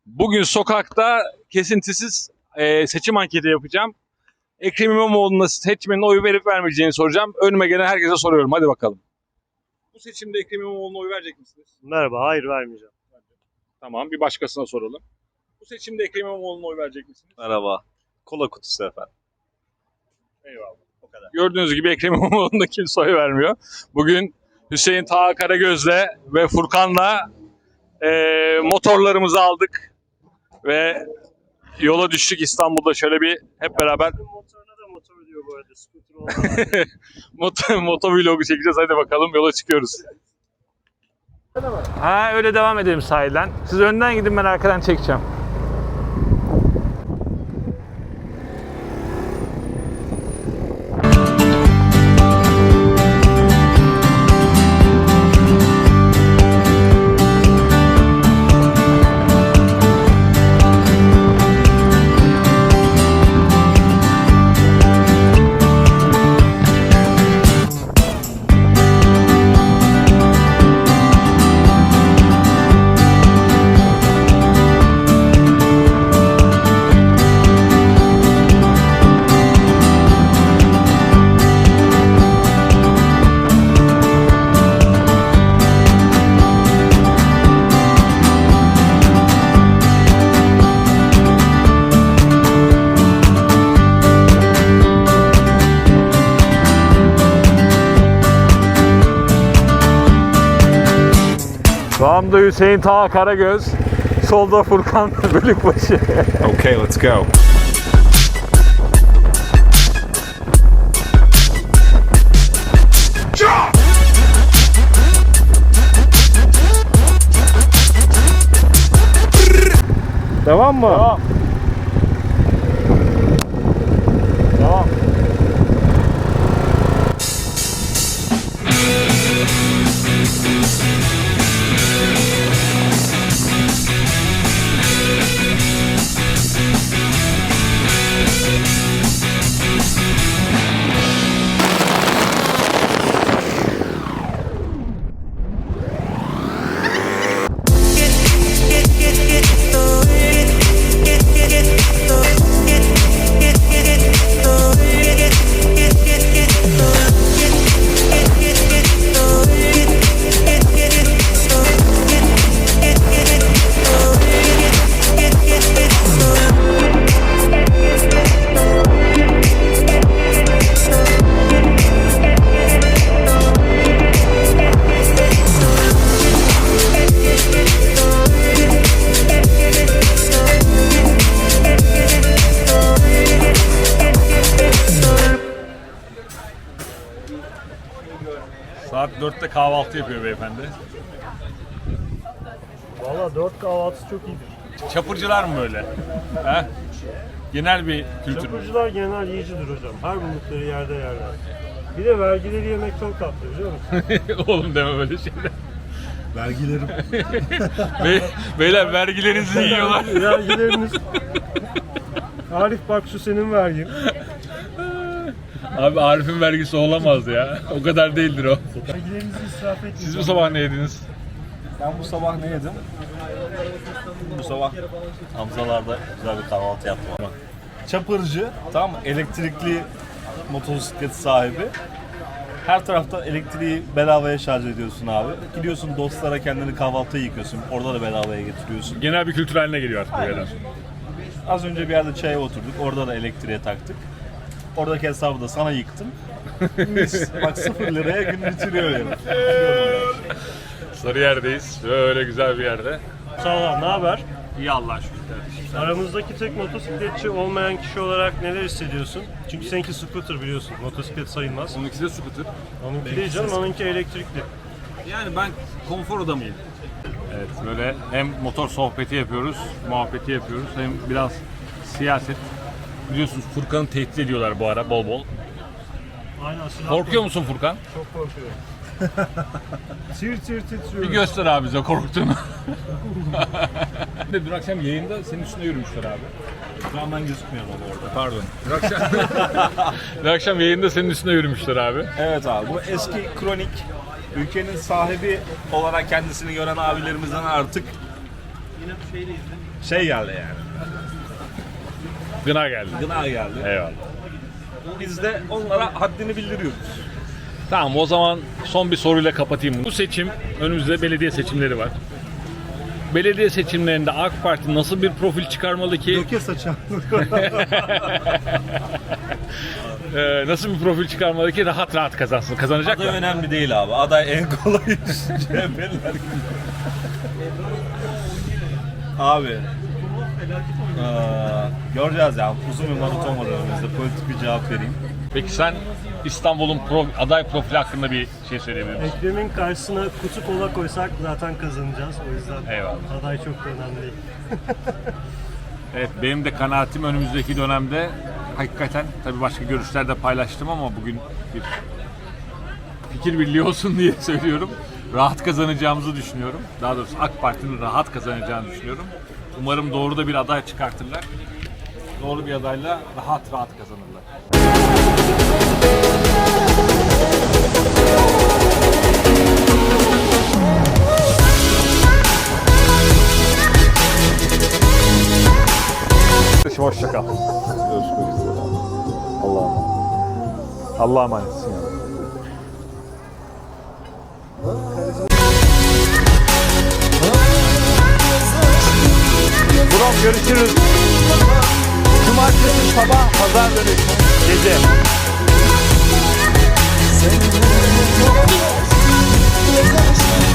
Bugün sokakta kesintisiz seçim anketi yapacağım. Ekrem İmamoğlu'na seçmenin oy verip vermeyeceğini soracağım. Önüme gelen herkese soruyorum. Hadi bakalım. Bu seçimde Ekrem İmamoğlu'na oy verecek misiniz? Merhaba, hayır vermeyeceğim. Tamam, bir başkasına soralım. Bu seçimde Ekrem İmamoğlu'na oy verecek misiniz? Merhaba. Kola kutusu efendim. Eyvallah. O kadar. Gördüğünüz gibi Ekrem İmamoğlu'na kimse oy vermiyor. Bugün Hüseyin Taha Karagöz'le ve Furkan'la motorlarımızı aldık ve yola düştük. İstanbul'da şöyle bir hep beraber Motoruna da motor diyor bu arada, scooter olmadan. motovlogu çekeceğiz. Hadi bakalım, yola çıkıyoruz. Ha, öyle devam edelim sahilden. Siz önden gidin, ben arkadan çekeceğim. Sağımda Hüseyin Taha Karagöz, solda Furkan Bölükbaşı. Okay, let's go. Devam mı? Devam. Devam. Saat 4'te kahvaltı yapıyor beyefendi. Valla 4 kahvaltısı çok iyidir. Çapırcılar mı böyle? He? Genel bir kültür mü? Çapırcılar genel yiyicidir hocam. Her buldukları yerde yerler. Bir de vergileri yemek çok tatlı, biliyor musun? Oğlum deme böyle şeyler. Vergilerim. Beyler vergilerinizi yiyorlar. Vergileriniz... Arif bak, şu senin vergin. Abi Arif'in vergisi olamaz ya. O kadar değildir o. Vergilerinizi israf etmeyin. Siz bu sabah ne yediniz? Ben bu sabah ne yedim? Bu sabah Hamzalar'da güzel bir kahvaltı yaptım. Çapırcı, tam elektrikli motosiklet sahibi. Her tarafta elektriği bedavaya şarj ediyorsun abi. Gidiyorsun dostlara kendini kahvaltıya yıkıyorsun. Orada da bedavaya getiriyorsun. Genel bir kültür haline geliyor artık bu yerden. Az önce bir yerde çaya oturduk. Orada da elektriğe taktık. Oradaki hesabı da sana yıktım. Mis. Bak 0 liraya gün bitiriyor yani. Sarıyer'deyiz. Böyle güzel bir yerde. Sağ ol, ne haber? İyi Allah'a şükür kardeşim. Aramızdaki tek motosikletçi olmayan kişi olarak neler hissediyorsun? Çünkü seninki scooter, biliyorsun. Motosiklet sayılmaz. Onunkisi de scooter. Onunki değil canım, onunki elektrikli. Yani ben konfor adamıyım. Evet, böyle hem motor sohbeti yapıyoruz, muhabbeti yapıyoruz, hem biraz siyaset. Biliyorsunuz Furkan'ı tehdit ediyorlar bu ara bol bol. Aynen, silah Korkuyor musun Furkan? Çok korkuyorum. Tir tir titriyorum. Bir göster abi bize korktuğunu. Dün akşam yayında senin üstüne yürümüşler abi. Şu an ben gözükmüyorum ama orada. Pardon. Dün akşam yayında senin üstüne yürümüşler abi. Evet abi, bu eski kronik, ülkenin sahibi olarak kendisini gören abilerimizden artık şey geldi yani. Gına geldi. Gına geldi. Eyvallah. Biz de onlara haddini bildiriyoruz. Tamam, o zaman son bir soruyla kapatayım. Bu seçim, önümüzde belediye seçimleri var. Belediye seçimlerinde AK Parti nasıl bir profil çıkarmalı ki? Döke saçan. Nasıl bir profil çıkarmalı ki rahat rahat kazansın? Kazanacak Aday mı? önemli değil abi. Aday en kolay iş. CHP'liler gibi. Abi. Göreceğiz ya. Uzun bir maraton var önümüzde. Politik bir cevap vereyim. Peki sen İstanbul'un aday profili hakkında bir şey söyleyebilir misin? Ekrem'in karşısına kutu kola koysak zaten kazanacağız. O yüzden Eyvallah. aday çok da önemli değil. Evet, benim de kanaatim önümüzdeki dönemde hakikaten, tabii başka görüşler de paylaştım ama bugün bir fikir birliği olsun diye söylüyorum. Rahat kazanacağımızı düşünüyorum. Daha doğrusu AK Parti'nin rahat kazanacağını düşünüyorum. Umarım doğru da bir aday çıkartırlar. Doğru bir adayla rahat kazanırlar. Hoşça kal. Görüşmek üzere. Allah'a emanetsin ya. Brom, görüşürüz. Cumartesi sabah, pazar dönüşü gece.